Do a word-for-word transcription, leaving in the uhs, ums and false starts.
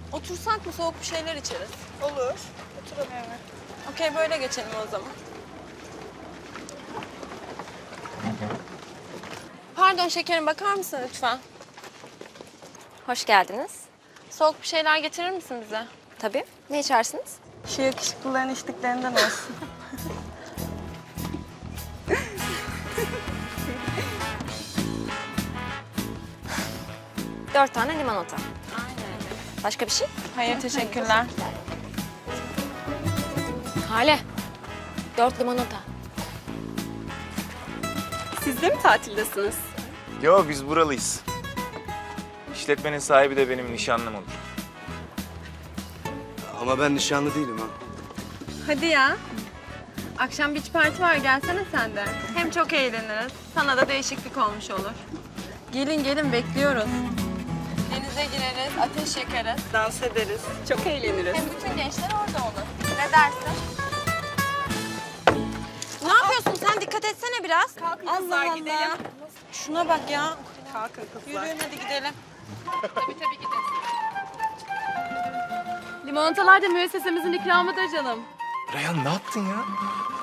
Otursak mı, soğuk bir şeyler içeriz? Olur. Oturalım. Evet. Okey, böyle geçelim o zaman. Pardon şekerim, bakar mısın lütfen? Hoş geldiniz. Soğuk bir şeyler getirir misin bize? Tabii. Ne içersiniz? Şu yakışıklıların içtiklerinden olsun. Dört tane limonata. Aynen. Başka bir şey? Hayır, teşekkürler. Hale. Dört limonata. Siz de mi tatildesiniz? Yo, biz buralıyız. İşletmenin sahibi de benim nişanlım olur. Ama ben nişanlı değilim ha. Hadi ya. Akşam beach party var, gelsene sen de. Hem çok eğleniriz, sana da değişiklik olmuş olur. Gelin gelin, bekliyoruz. Denize gireriz, ateş yakarız. Dans ederiz. Çok eğleniriz. Hem bütün gençler orada olur. Ne dersin? Ne yapıyorsun sen? Dikkat etsene biraz. Kalkın Allah kızlar, Allah. gidelim. Şuna bak ya. Kalkın kızlar. Yürüyün hadi gidelim. Limonatalar da müessesemizin ikramıdır canım. Reyhan ne yaptın ya?